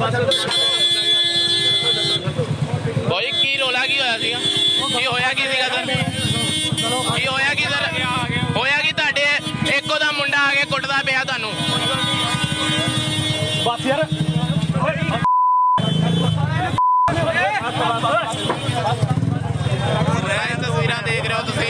भाई की रोला की होया सीगा की होया की सीगा सर की होया की सर होया की तुहाडे इक्को दा मुंडा आ के कुटदा पिया तुहानू बस यार तस्वीरां देख रहे हो तुसीं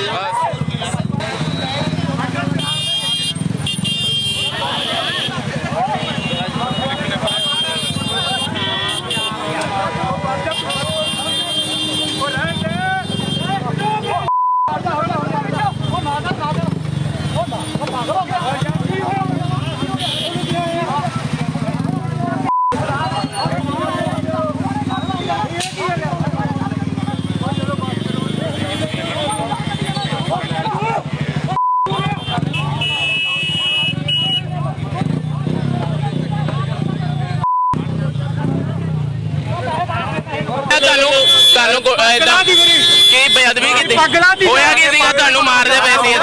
बेअदबी की होया की सीगा तुहानू मारदे पए सी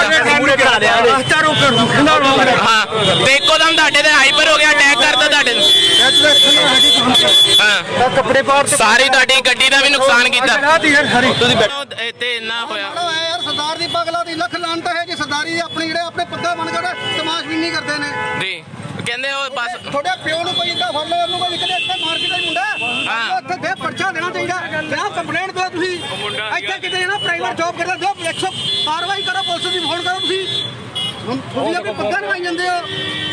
हां ते इक्कोदम तुहाडे ते हाइपर हो गया अटैक करता तुहाडे हां कपड़े पाड़ सारी तुहाडी गड्डी दा भी नुकसान कीता तुसीं इत्थे इन्ना होया यार सरदार दी पगला दी लख लानत है जी सरदारी अपने जेड़े अपने पद्दा बन के तमाशबीनी करदे ने जी कहंदे ओ बस थोड़े प्यो नु कोई इदा फड़ लो ओनु कोई निकले इत्थे मार के मुंडा हां ਇੱਥੇ ਦੇ ਪਰਚਾ ਦੇਣਾ ਚਾਹੀਦਾ ਜਾਂ ਕੰਪਲੇਂਟ ਦਿਓ ਤੁਸੀਂ ਇੱਥੇ ਕਿਤੇ ਨਾ ਪ੍ਰਾਈਵੇਟ ਜੌਬ ਕਰਦਾ ਦਿਓ 100 ਕਾਰਵਾਈ ਕਰੋ ਪੁਲਿਸ ਦੀ ਫੋਨ ਕਰੋ ਤੁਸੀਂ ਹੁਣ ਤੁਸੀਂ ਆਪਣੇ ਪੱਗਾਂ ਨਵਾਈ ਜਾਂਦੇ ਹੋ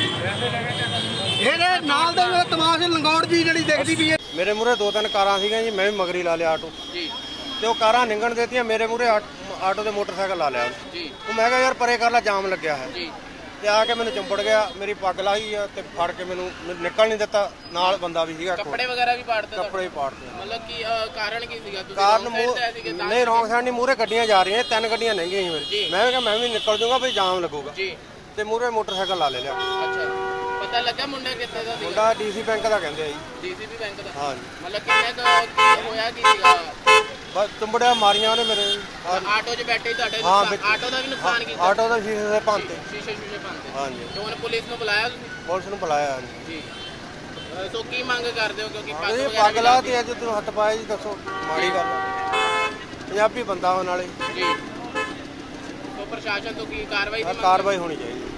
ਇਹਦੇ ਨਾਲ ਦੇ ਤਮਾਸ਼ ਲੰਗੌੜ ਜੀ ਜਿਹੜੀ ਦੇਖਦੀ ਵੀ ਹੈ ਮੇਰੇ ਮੂਰੇ ਦੋ ਤਿੰਨ ਕਾਰਾਂ ਸੀਗੀਆਂ ਜੀ ਮੈਂ ਵੀ ਮਗਰੀ ਲਾ ਲਿਆ ਆਟੋ ਜੀ ਤੇ ਉਹ ਕਾਰਾਂ ਨਿੰਗਣ ਦੇਤੀਆਂ ਮੇਰੇ ਮੂਰੇ ਆਟੋ ਦੇ ਮੋਟਰਸਾਈਕਲ ਲਾ ਲਿਆ ਜੀ ਉਹ ਮੈਂ ਕਿਹਾ ਯਾਰ ਪਰੇ ਕਰ ਲਾ ਜਾਮ ਲੱਗਿਆ ਹੈ ਜੀ ਤੇ ਆ ਕੇ ਮੈਨੂੰ ਚੰਬੜ ਗਿਆ ਮੇਰੀ ਪੱਗ ਲਾਹੀ ਆ ਤੇ ਫੜ ਕੇ ਮੈਨੂੰ ਨਿਕਲ ਨਹੀਂ ਦਿੱਤਾ ਨਾਲ ਬੰਦਾ ਵੀ ਸੀਗਾ ਕੱਪੜੇ ਵਗੈਰਾ ਵੀ ਪਾੜਦੇ ਕੱਪੜੇ ਹੀ ਪਾੜਦੇ ਮਤਲਬ ਕੀ ਕਾਰਨ ਕੀ ਸੀਗਾ ਤੁਸੀਂ ਕਾਰਨ ਨਹੀਂ ਰੌਂਗ ਸਾਈਡ ਨਹੀਂ ਮੂਰੇ ਗੱਡੀਆਂ ਜਾ ਰਹੀਆਂ ਤਿੰਨ ਗੱਡੀਆਂ ਲੰਘੀਆਂ ਸੀ ਮੇਰੀ ਮੈਂ ਕਿਹਾ ਮੈਂ ਵੀ ਨਿਕਲ ਜਾਊਂਗਾ ਵੀ ਜਾਮ ਲੱਗੂਗਾ ਜੀ ਤੇ ਮੂਰੇ ਮੋਟਰਸਾਈਕਲ ਲਾ ਲਿਆ ਅੱਛਾ ਪਤਾ ਲੱਗਾ ਮੁੰਡਾ ਕਿੱਥੇ ਦਾ ਸੀਗਾ ਮੁੰਡਾ ਡੀਸੀ ਬੈਂਕ ਦਾ ਕਹਿੰਦੇ ਆ ਜੀ ਡੀਸੀਪੀ ਬੈਂਕ ਦਾ ਹਾਂ ਜੀ ਮਤਲਬ ਕਿੰਨੇ ਹੋਇਆ ਕੀ ਸੀਗਾ ਬਸ ਚੰਬੜਿਆ ਮਾਰੀਆਂ ਉਹਨੇ ਮੇਰੇ ਆਟੋ 'ਚ ਬੈਠੇ ਤੁਹਾਡੇ ਹਾਂ, ਆਟੋ ਦਾ ਵੀ ਨੁਕਸਾਨ ਕੀਤਾ ਆਟੋ ਦਾ ਸ਼ੀਸ਼ੇ ਦੇ ਭੰਤੇ ਸ਼ੀਸ਼ੇ ਭੰਨਤੇ ਹਾਂਜੀ ਤੇ ਹੁਣ ਪੁਲਿਸ ਨੂੰ ਬੁਲਾਇਆ ਤੁਸੀਂ ਪੁਲਿਸ ਨੂੰ ਬੁਲਾਇਆ ਜੀ ਸੋ ਕੀ ਮੰਗ ਕਰਦੇ ਹੋ ਕਿਉਂਕਿ ਪੱਗ ਇਹ ਵਗੈਰਾ ਪੱਗ ਲਾ ਤੇ ਅੱਜ ਤੂੰ ਹੱਥ ਪਾਇਆ ਜੀ ਦੱਸੋ ਮਾੜੀ ਗੱਲ ਆ। ਪੰਜਾਬੀ ਬੰਦਾ ਹੋਣ ਨਾਲੇ ਜੀ ਸੋ ਪ੍ਰਸ਼ਾਸਨ ਤੋਂ ਕੀ ਕਾਰਵਾਈ ਦੀ ਮੰਗ ਕਾਰਵਾਈ ਹੋਣੀ ਚਾਹੀਦੀ